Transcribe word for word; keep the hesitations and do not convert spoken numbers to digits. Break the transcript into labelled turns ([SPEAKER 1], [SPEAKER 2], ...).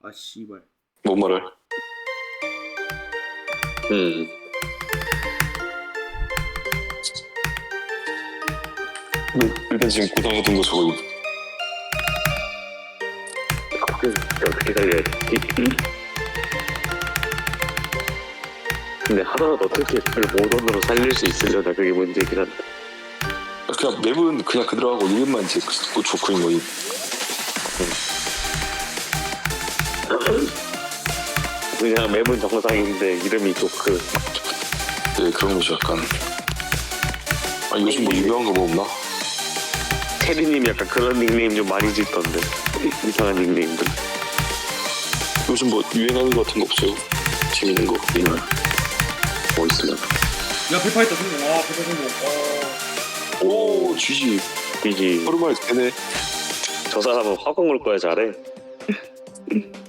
[SPEAKER 1] 아 씨발.
[SPEAKER 2] 뭔 말을? 음. 뭐, 일단 지금 고당하던 거 저거.
[SPEAKER 3] 그 어떻게 살려야 돼? 근데 하나라도 어떻게 그걸 모던으로 살릴 수 있으려나 그게 문제긴 한데.
[SPEAKER 2] 그냥 맵은 그냥 그대로 하고 이름만 이제 그 좋고인 거임.
[SPEAKER 3] 그냥 맵은 정상인데 이름이 조크.
[SPEAKER 2] 네, 그런 거죠 약간. 아 요즘 뭐 유명한 거 뭐 없나?
[SPEAKER 3] 체리님 약간 그런 닉네임 좀 많이 짓던데. 이상한 닉네임들.
[SPEAKER 2] 요즘 뭐 유행하는 거 같은 거 없어요? 재밌는 거.
[SPEAKER 3] 뭐 있으면.
[SPEAKER 1] 야 페파이터 성공. 아 페파 성공.
[SPEAKER 2] 오, 쥐지.
[SPEAKER 3] 이지
[SPEAKER 2] 하루 만에 되네.
[SPEAKER 3] 저 사람은 화공을 꺼야 잘해.